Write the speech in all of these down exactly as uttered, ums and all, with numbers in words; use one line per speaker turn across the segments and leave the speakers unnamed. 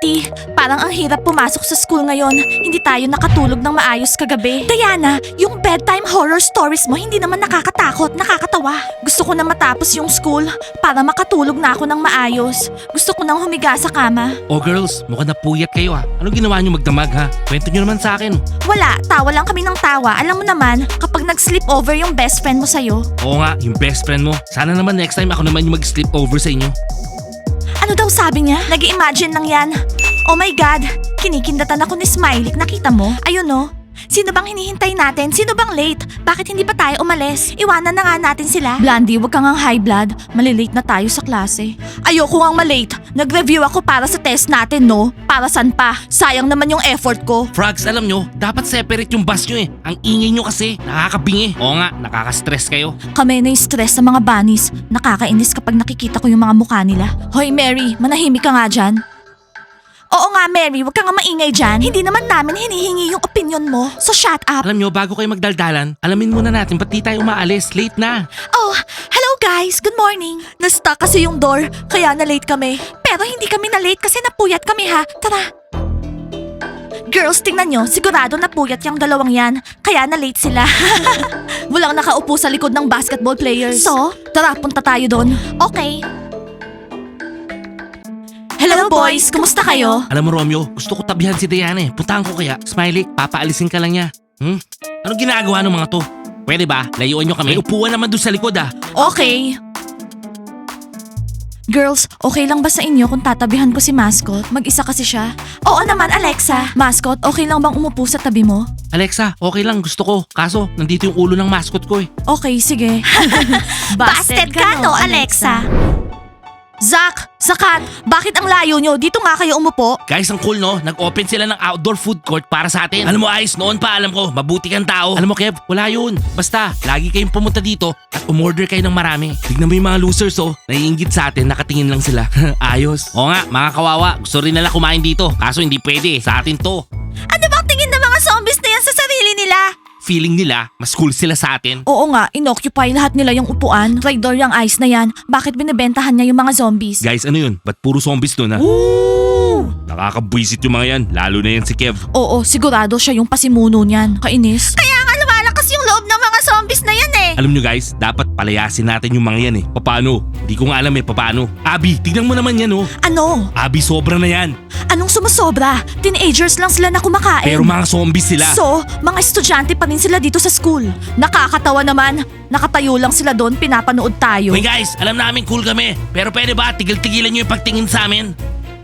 Kitty, parang ang hirap pumasok sa school ngayon. Hindi tayo nakatulog ng maayos kagabi. Diana, yung bedtime horror stories mo hindi naman nakakatakot, nakakatawa. Gusto ko na matapos yung school para makatulog na ako ng maayos. Gusto ko nang humiga sa kama.
Oh girls, mukhang napuyat kayo ah. Ano ginawa nyo magdamag ha? Kwento nyo naman sa akin.
Wala, tawa lang kami ng tawa. Alam mo naman, kapag nag-sleep over yung best friend mo sa'yo.
Oo nga, yung best friend mo. Sana naman next time ako naman yung mag-sleep over sa inyo.
Ano daw sabi niya? Nag-i-imagine lang yan. Oh my God, kinikindatan ako ni Smiley. Nakita mo? Ayun no. Sino bang hinihintay natin? Sino bang late? Bakit hindi pa tayo umalis? Iwanan na nga natin sila. Blondie, wag kang ang high blood. Malilate na tayo sa klase. Ayoko ngang malate. Nag-review ako para sa test natin, no? Para saan pa? Sayang naman yung effort ko.
Frogs, alam nyo, dapat separate yung bus nyo eh. Ang ingay nyo kasi, nakakabingi. Oo nga, nakaka-stress kayo.
Kami na-stress sa mga bunnies. Nakakainis kapag nakikita ko yung mga mukha nila. Hoy Mary, manahimik ka nga dyan. Oo nga Mary, wag ka nga maingay dyan. Hindi naman namin hinihingi yung opinion mo. So shut up.
Alam nyo, bago kayo magdaldalan, alamin muna natin ba't di tayo umaalis. Late na.
Oh, hello guys. Good morning. Na-stuck kasi yung door, kaya na-late kami. Pero hindi kami na-late kasi napuyat kami ha. Tara. Girls, tingnan nyo. Sigurado napuyat yung dalawang yan. Kaya na-late sila. Walang nakaupo sa likod ng basketball players. So, tara, punta tayo doon. Okay. Hello boys, kumusta kayo?
Alam mo Romeo, gusto ko tabihan si Diana eh. Puntahan ko kaya. Smiley, papaalisin ka lang niya. Hmm? Anong ginagawa ng mga to? Pwede ba? Layuan nyo kami. May upuan naman doon sa likod ah.
Okay. Girls, okay lang ba sa inyo kung tatabihan ko si Mascot? Mag-isa kasi siya. Oo naman, Alexa. Mascot, okay lang bang umupo sa tabi mo?
Alexa, okay lang, gusto ko. Kaso, nandito yung ulo ng mascot ko eh.
Okay, sige. Busted ka, no, Alexa? Zach, Zakat, bakit ang layo nyo? Dito nga kayo umupo.
Guys, ang cool no? Nag-open sila ng outdoor food court para sa atin. Alam mo Ice, noon pa alam ko, mabuti kang tao. Alam mo Kev, wala yun. Basta, lagi kayong pumunta dito at umorder kayo ng marami. Tignan mo yung mga losers oh, naiingit sa atin, nakatingin lang sila. Ayos. Oo nga, mga kawawa, gusto rin nila kumain dito. Kaso hindi pwede, sa atin to.
Ano bang tingin ng mga zombies na yan sa sarili nila?
Feeling nila, mas cool sila sa atin.
Oo nga, inoccupy lahat nila yung upuan. Traitor yung ice na yan. Bakit binibentahan niya yung mga zombies?
Guys, ano yun? Ba't puro zombies doon ha?
Ooh!
Nakakabwisit yung mga yan, lalo na yan si Kev.
Oo, sigurado siya yung pasimuno niyan. Kainis. Kaya nga lumalakas yung loob ng mga zombies na yan eh.
Alam nyo guys, dapat palayasin natin yung mga yan eh. Paano? Hindi ko nga alam eh, paano. Abi, tignan mo naman yan oh.
Ano?
Abi, sobra na yan.
Anong sumusobra? Teenagers lang sila na kumakain.
Pero mga zombies sila.
So, mga estudyante pa rin sila dito sa school. Nakakatawa naman. Nakatayo lang sila doon, pinapanood tayo.
Hoy guys, alam namin cool kami. Pero pwede ba tigil-tigilan nyo yung pagtingin sa amin?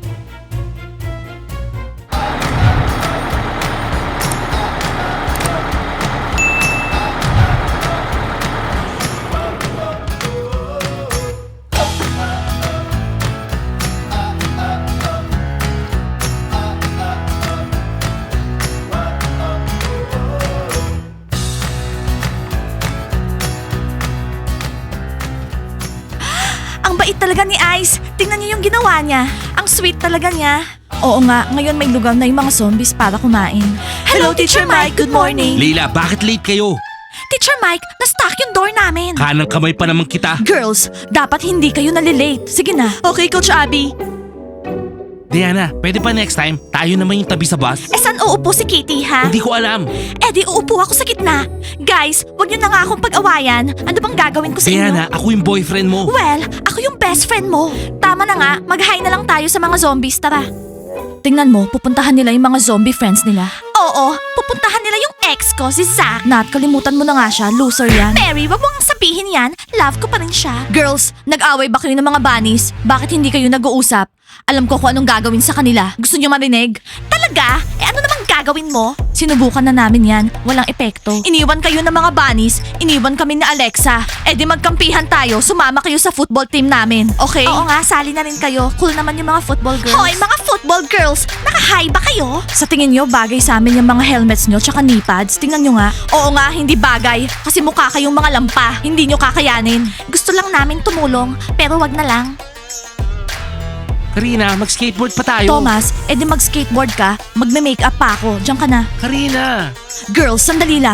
Ang bait talaga ni Ice. Tingnan niyo yung ginawa niya. Ang sweet talaga niya. Oo nga, ngayon may lugar na yung mga zombies para kumain. Hello, Teacher Mike. Good morning.
Leila, bakit late kayo?
Teacher Mike, na-stuck yung door namin.
Kanang kamay pa naman kita.
Girls, dapat hindi kayo nalilate. Sige na. Okay, Coach Abby.
Diana, pwede pa next time, tayo naman yung tabi sa bus?
Eh, saan uupo si Kitty, ha?
Hindi ko alam.
Eh, di uupo ako sa gitna. Guys, wag niyo na nga akong pag-awayan. Ano bang gagawin ko sa inyo?
Diana, ako yung boyfriend mo.
Well, ako yung best friend mo. Tama na nga, mag-hi na lang tayo sa mga zombies, tara. Tingnan mo, pupuntahan nila yung mga zombie friends nila. Oo, pupuntahan nila yung ex ko, si Zach. Nat, kalimutan mo na nga siya, loser yan. Mary, wag mo nga sabihin yan. Love ko pa rin siya. Girls, nag-away ba kayo ng mga bunnies? Bakit hindi kayo nag-uusap? Alam ko kung anong gagawin sa kanila. Gusto niyo marinig? Talaga? Eh ano namang gagawin mo? Sinubukan na namin yan. Walang epekto. Iniwan kayo ng mga bunnies. Iniwan kami ni Alexa. Eh di magkampihan tayo. Sumama kayo sa football team namin. Okay? Oo nga, sali na rin kayo. Cool naman yung mga football girls. Hoy, mga football girls! Naka-high ba kayo? Sa tingin nyo, bagay sa amin yung mga helmets nyo tsaka knee pads. Tingnan nyo nga. Oo nga, hindi bagay. Kasi mukha kayong mga lampa. Hindi nyo kakayanin. Gusto lang namin tumulong, pero wag na lang.
Karina, mag-skateboard pa tayo.
Thomas, edi mag-skateboard ka, magme-makeup pa ako. Diyan ka na.
Karina.
Girls, sandali lang.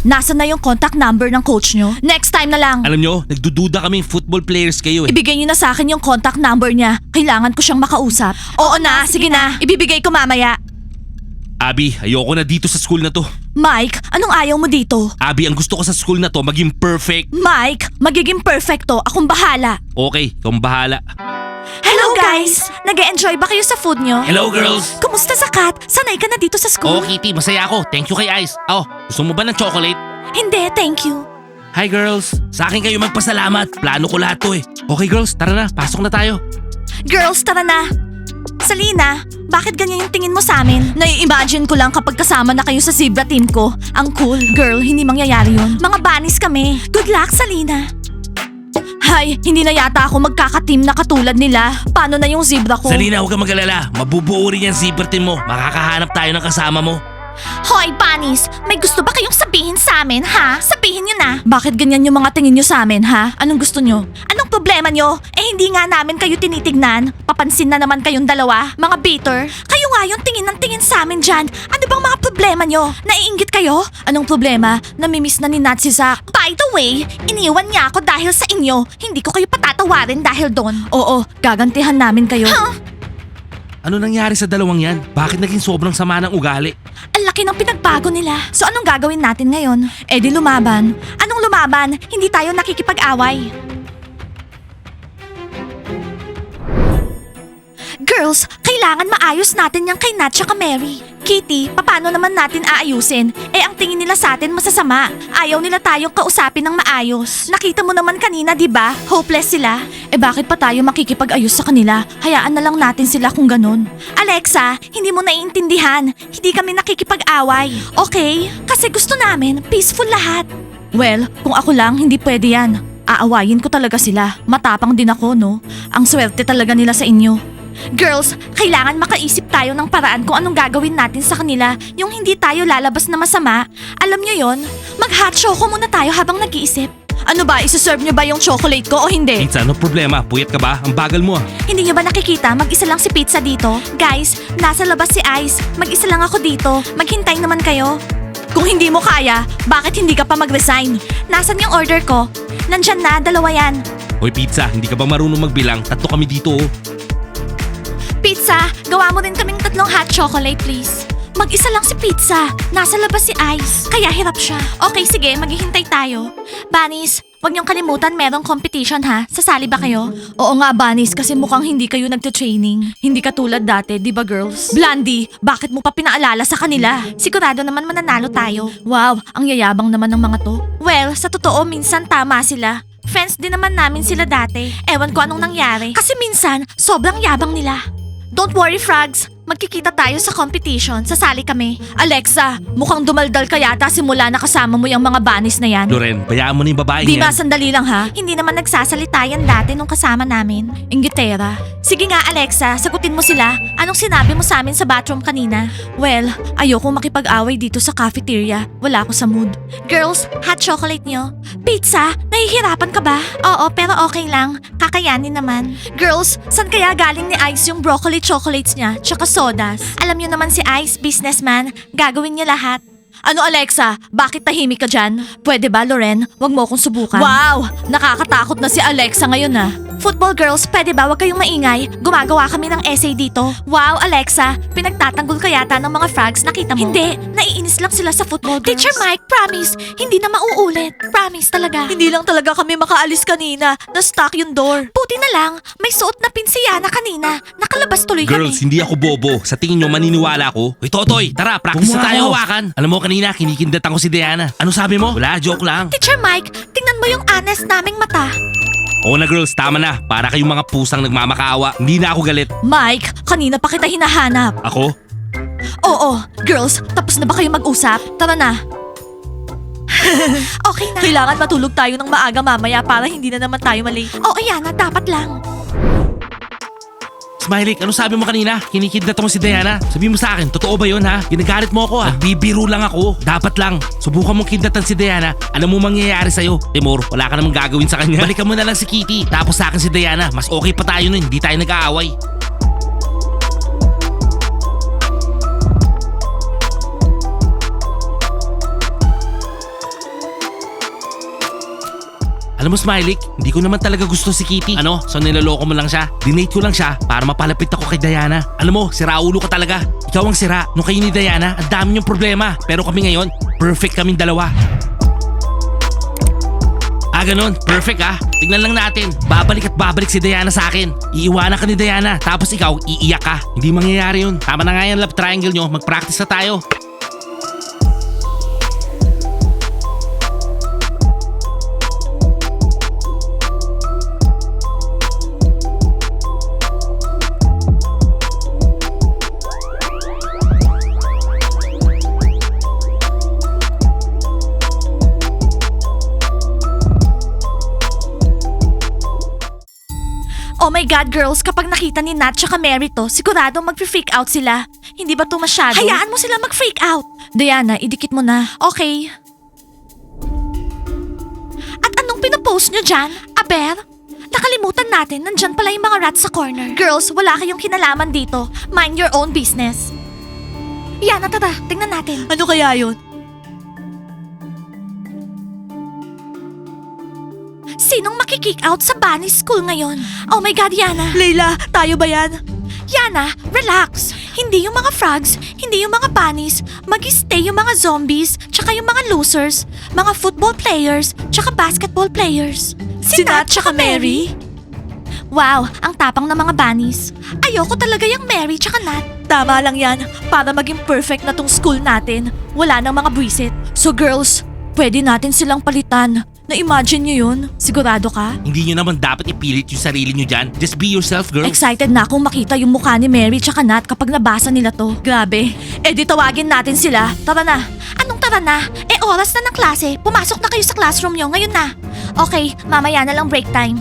Nasaan na yung contact number ng coach nyo? Next time na lang.
Alam nyo, nagdududa kaming football players kayo eh.
Ibigay niyo na sa akin yung contact number niya. Kailangan ko siyang makausap. Oo na, sige na. Ibibigay ko mamaya.
Abby, ayoko na dito sa school na to.
Mike, anong ayaw mo dito?
Abby, ang gusto ko sa school na to maging perfect.
Mike, magiging perfecto. Akong bahala.
Okay, ikaw ang bahala.
Hello guys! Nag-e-enjoy ba kayo sa food nyo?
Hello girls!
Kumusta sa Kat? Sanay ka na dito sa school?
Oo Kitty, masaya ako. Thank you kay Ice. Oh, gusto mo ba ng chocolate?
Hindi, thank you.
Hi girls! Sa akin kayo magpasalamat. Plano ko lahat to eh. Okay girls, tara na. Pasok na tayo.
Girls, tara na. Salina, bakit ganyan yung tingin mo sa amin? Nai-imagine ko lang kapag kasama na kayo sa zebra team ko. Ang cool. Girl, hindi mangyayari yun. Mga banis kami. Good luck, Salina. Hay, hindi na yata ako magkaka-team na katulad nila. Paano na yung zebra ko?
Salina, huwag kang mag-alala. Mabubuo rin yan zebra team mo. Makakahanap tayo ng kasama mo.
Hoy, Bunnies! May gusto ba kayong sabihin sa amin, ha? Sabihin nyo na! Bakit ganyan yung mga tingin nyo sa amin, ha? Anong gusto nyo? Anong problema nyo? Eh hindi nga namin kayo tinitignan. Papansin na naman kayong dalawa, mga bitter. Kayo nga yung tingin ng tingin sa amin dyan. Ano bang mga problema nyo? Naiinggit kayo? Anong problema? Namimiss na ni Nat si Zach. By the way, iniwan niya ako dahil sa inyo. Hindi ko kayo patatawarin dahil doon. Oo, gagantihan namin kayo. Huh?
Ano nangyari sa dalawang yan? Bakit naging sobrang sama ng ugali?
Ang laki ng pinagbago nila. So anong gagawin natin ngayon? Eh di lumaban. Anong lumaban? Hindi tayo nakikipag-away. Girls, kailangan maayos natin yung kay Nat tsaka Mary. Kitty, paano naman natin aayusin? Eh ang tingin nila sa atin masasama. Ayaw nila tayong kausapin ng maayos. Nakita mo naman kanina, di ba? Hopeless sila. Eh bakit pa tayo makikipag-ayos sa kanila? Hayaan na lang natin sila kung ganun. Alexa, hindi mo naiintindihan. Hindi kami nakikipag-away. Okay? Kasi gusto namin peaceful lahat. Well, kung ako lang, hindi pwede yan. Aawayin ko talaga sila. Matapang din ako, no? Ang swerte talaga nila sa inyo. Girls, kailangan makaisip tayo ng paraan kung anong gagawin natin sa kanila, yung hindi tayo lalabas na masama. Alam nyo yon? Mag-hot choco muna tayo habang nag-iisip. Ano ba, isuserve nyo ba yung chocolate ko o hindi?
Pizza, ano problema? Puyat ka ba? Ang bagal mo ah.
Hindi nyo ba nakikita? Mag-isa lang si Pizza dito. Guys, nasa labas si Ice. Mag-isa lang ako dito. Maghintay naman kayo. Kung hindi mo kaya, bakit hindi ka pa mag-resign? Nasaan yung order ko? Nandyan na, dalawa yan.
Hoy Pizza, hindi ka ba marunong magbilang? Tatlo kami dito oh.
Pizza, gawa mo din kaming tatlong hot chocolate, please. Mag-isa lang si Pizza. Nasa labas si Ice. Kaya hirap siya. Okay, sige. Maghihintay tayo. Bunnies, wag niyong kalimutan merong competition ha. Sasali ba kayo? Oo nga, Bunnies, kasi mukhang hindi kayo nagte-training. Hindi katulad dati, di ba girls? Blondie, bakit mo pa pinaalala sa kanila? Sigurado naman mananalo tayo. Wow, ang yayabang naman ng mga to. Well, sa totoo, minsan tama sila. Friends din naman namin sila dati. Ewan ko anong nangyari. Kasi minsan, sobrang yabang nila. Don't worry, Frogs. Magkikita tayo sa competition. Sasali kami. Alexa, mukhang dumaldal ka yata simula na kasama mo yung mga bunnies na yan.
Loren, bayaan mo na yung babae
Di ba,
yan.
sandali lang ha? Hindi naman nagsasalita yan dati nung kasama namin. Ingitera. Sige nga, Alexa, sagutin mo sila. Anong sinabi mo sa amin sa bathroom kanina? Well, ayoko makipag-away dito sa cafeteria. Wala ako sa mood. Girls, hot chocolate nyo? Pizza, nahihirapan ka ba? Oo, pero okay lang. Kakayanin naman. Girls, saan kaya galing ni Ice yung broccoli chocolates niya, tsaka sodas? Alam niyo naman si Ice, businessman. Gagawin niya lahat. Ano Alexa? Bakit tahimik ka dyan? Pwede ba, Loren? Huwag mo akong subukan. Wow! Nakakatakot na si Alexa ngayon ah. Football girls, pwede ba wag kayong maingay? Gumagawa kami ng essay dito. Wow, Alexa, pinagtatanggol ka yata ng mga frogs, nakita mo? Hindi, naiinis lang sila sa football girls. Teacher Mike, promise, hindi na mauulit. Promise talaga. Hindi lang talaga kami makaalis kanina. Na-stuck yung door. Buti na lang, may suot na pinsiyana kanina. Nakalabas tuloy
Girls,
kami.
hindi ako bobo. Sa tingin nyo, maniniwala ako? Hoy Totoy, tara, practice na
Huwag mo
tayo
ako.
hawakan. Alam mo kanina, kinikindatan ko si Diana. Ano sabi mo? Wala, joke lang.
Teacher Mike, tingnan mo yung honest naming mata.
Oo na girls, tama na. Para kayong mga pusang nagmamakaawa. Hindi na ako galit.
Mike, kanina pa kita hinahanap.
Ako?
Oo, girls, tapos na ba kayo mag-usap? Tara na. Okay na. Kailangan matulog tayo ng maaga mamaya para hindi na naman tayo mali. Oo, Yana, dapat lang.
Smiley, ano sabi mo kanina? Kinikidnat mo si Diana. Sabi mo sa akin, totoo ba yun ha? Ginagalit mo ako ha? Nagbibiro lang ako. Dapat lang. Subukan mong kidnatan si Diana. Alam mo mangyayari sa'yo. Timur, wala ka namang gagawin sa kanya. Balikan mo na lang si Kitty. Tapos sa akin si Diana. Mas okay pa tayo nun. Hindi tayo nag-aaway. Alam mo, Smiley, hindi ko naman talaga gusto si Kitty. Ano? So niloloko mo lang siya? Dinate ko lang siya para mapalapit ako kay Diana. Alam mo, sira ulo ka talaga. Ikaw ang sira. Nung kayo ni Diana, ang dami niyong problema. Pero kami ngayon, perfect kaming dalawa. Ah, ganun. Perfect ah. Tignan lang natin. Babalik at babalik si Diana sa akin. Iiwanan ka ni Diana. Tapos ikaw, iiyak ka. Hindi mangyayari yun. Tama na nga yan, love triangle nyo. Mag-practice na tayo.
Oh my God, girls, kapag nakita ni Nat tsaka Mary to, sigurado mag-freak out sila. Hindi ba to masyado? Hayaan mo sila mag-freak out. Diana, idikit mo na. Okay. At anong pinopost nyo dyan? Aber? Nakalimutan natin, nandyan pala yung mga rats sa corner. Girls, wala kayong kinalaman dito. Mind your own business. Yana, tara, tingnan natin. Ano kaya yun? Sinong makikick out sa bunny school ngayon? Oh my God, Yana. Leila, tayo ba yan? Yana, relax. Hindi yung mga frogs, hindi yung mga bunnies. Mag-stay yung mga zombies, tsaka yung mga losers, mga football players, tsaka basketball players. Si Nat tsaka Mary? Wow, ang tapang ng mga bunnies. Ayoko talaga yung Mary tsaka Nat. Tama lang yan, para maging perfect na tong school natin. Wala nang mga buwisit. So girls, pwede natin silang palitan. Na-imagine nyo yun? Sigurado ka?
Hindi nyo naman dapat ipilit yung sarili nyo dyan. Just be yourself, girl.
Excited na akong makita yung mukha ni Mary tsaka Nat kapag nabasa nila to. Grabe. Eh di tawagin natin sila. Tara na. Anong tara na? Eh oras na ng klase. Pumasok na kayo sa classroom nyo. Ngayon na. Okay, mamaya na lang break time.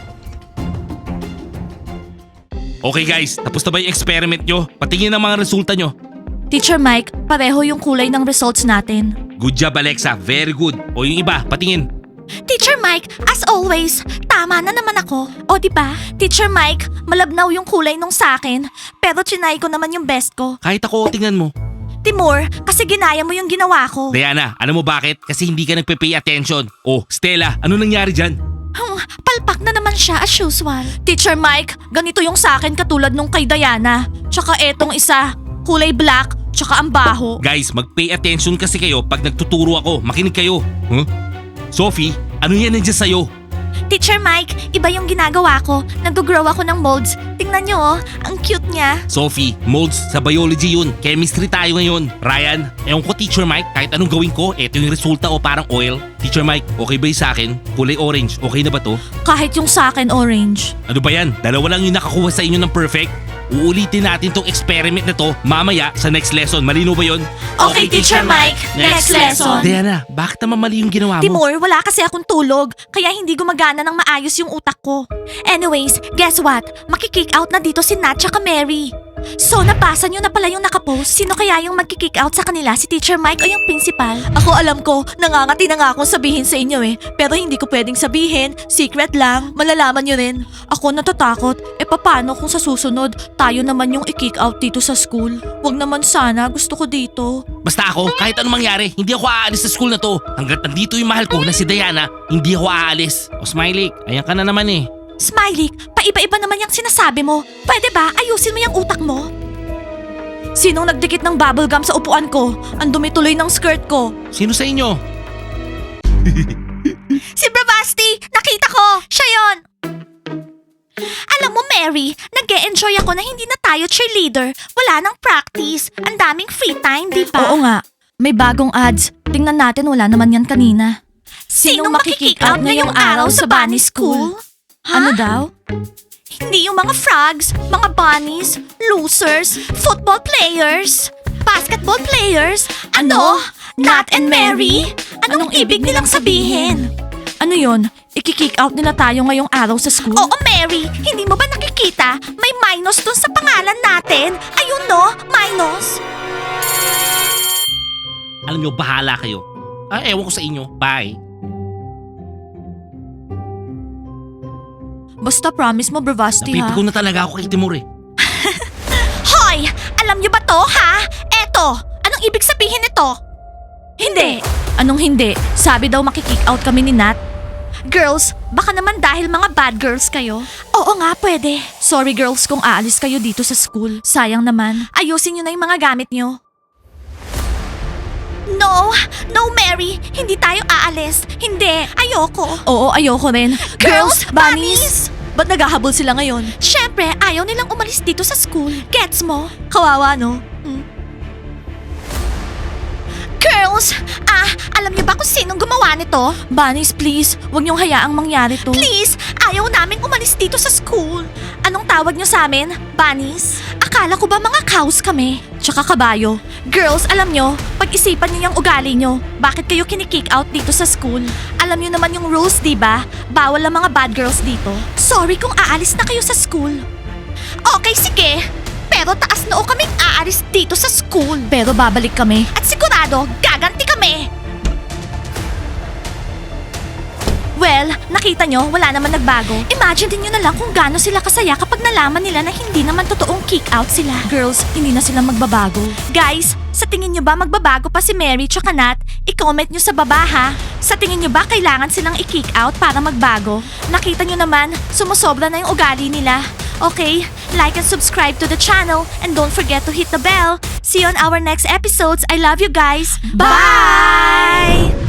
Okay guys, tapos na ba yung experiment nyo? Patingin ang mga resulta nyo.
Teacher Mike, pareho yung kulay ng results natin.
Good job, Alexa. Very good. O yung iba, patingin.
Teacher Mike, as always, tama na naman ako. O di ba? Teacher Mike, malabnaw yung kulay nung sa akin, pero trinay ko naman yung best ko.
Kahit ako, tingnan mo.
Timur, kasi ginaya mo yung ginawa ko.
Diana, alam mo bakit? Kasi hindi ka nagpe-pay attention. Oh, Stella, ano nangyari dyan?
Hmm, palpak na naman siya as usual. Teacher Mike, ganito yung sa akin katulad nung kay Diana. Tsaka etong isa, kulay black, tsaka ang baho.
Guys, mag-pay attention kasi kayo pag nagtuturo ako. Makinig kayo. Huh? Sophie, ano yan nandiyan sa'yo?
Teacher Mike, iba yung ginagawa ko. Nag-grow ako ng molds. Tingnan nyo oh, ang cute niya.
Sophie, molds sa biology yun. Chemistry tayo ngayon. Ryan, ewan ko Teacher Mike, kahit anong gawin ko, eto yung resulta o parang oil. Teacher Mike, okay ba yung sa akin? Kulay orange, okay na ba to?
Kahit yung sa akin orange.
Ano ba yan? Dalawa lang yung nakakuha sa inyo ng perfect? Uulitin natin tong experiment na to mamaya sa next lesson. Malino ba yun?
Okay, Teacher Mike. Next lesson.
Diana, bakit naman mali yung ginawa mo?
Timur, wala kasi akong tulog, kaya hindi gumagana ng maayos yung utak ko. Anyways, guess what? Makikick out na dito si Nat tsaka Mary. So, nabasa nyo na pala yung nakapost. Sino kaya yung magkikick out sa kanila? Si Teacher Mike o yung principal? Ako alam ko, nangangati na nga akong sabihin sa inyo eh. Pero hindi ko pwedeng sabihin. Secret lang. Malalaman nyo rin. Ako natatakot. E paano kung sa susunod, tayo naman yung i-kick out dito sa school? Wag naman sana. Gusto ko dito.
Basta ako, kahit anong mangyari, hindi ako aalis sa school na to. Hanggat nandito yung mahal ko na si Diana, hindi ako aalis. O Smiley, ayan ka na naman eh.
Smiley, paiba-iba naman yung sinasabi mo. Pwede ba ayusin mo yung utak mo? Sinong nagdikit ng bubblegum sa upuan ko? Ang dumi tuloy ng skirt ko.
Sino sa inyo?
Si Bravasti! Nakita ko! Siya yon! Alam mo, Mary, nag-e-enjoy ako na hindi na tayo cheerleader. Wala nang practice. Ang daming free time, di ba? Oo nga. May bagong ads. Tingnan natin, wala naman yan kanina. Sinong makikick out ngayong araw sa bunny school? Ano daw? Hindi yung mga frogs, mga bunnies, losers, football players, basketball players. Ano? Nat and Mary? Anong ibig nilang sabihin? Ano yon? I-kick out nila tayo ngayong araw sa school? Oo, Mary. Hindi mo ba nakikita? May minus dun sa pangalan natin. Ayun no, minus.
Alam nyo, bahala kayo. Ah, ewan ko sa inyo. Bye.
Basta promise mo, Bravasti, ha?
Napipiko na talaga ako kay Timur eh.
Hoy! Alam niyo ba to, ha? Eto! Anong ibig sabihin nito? Hindi! Anong hindi? Sabi daw makikick out kami ni Nat. Girls, baka naman dahil mga bad girls kayo. Oo nga, pwede. Sorry girls kung aalis kayo dito sa school. Sayang naman. Ayusin nyo na yung mga gamit nyo. No! No, Mary! Hindi tayo aalis. Hindi. Ayoko. Oo, ayoko rin. Girls, bunnies! Ba't naghahabol sila ngayon? Siyempre, ayaw nilang umalis dito sa school. Gets mo? Kawawa, no? Hmm. Girls! Ah, alam niyo ba kung sinong gumawa nito? Bunnies, please. Huwag niyong hayaang mangyari to. Please! Ayaw naming umalis dito sa school. Anong tawag niyo sa amin? Bunnies? Akala ko ba mga cows kami? Tsaka kabayo. Girls, alam niyo, pag-isipan niyo yung ugali niyo. Bakit kayo kinikick out dito sa school? Alam niyo naman yung rules, di ba? Bawal ang mga bad girls dito. Sorry kung aalis na kayo sa school. Okay, sige. Pero taas noo kaming aalis dito sa school. Pero babalik kami. At sigurado, gaganti kami. Well, nakita nyo, wala naman nagbago. Imagine din nyo na lang kung gaano sila kasaya kapag nalaman nila na hindi naman totoong kick out sila. Girls, hindi na sila magbabago. Guys, sa tingin nyo ba magbabago pa si Mary tsaka Nat? I-comment nyo sa baba ha. Sa tingin nyo ba kailangan silang i-kick out para magbago? Nakita nyo naman, sumusobra na yung ugali nila. Okay, like and subscribe to the channel and don't forget to hit the bell. See you on our next episodes. I love you guys. Bye!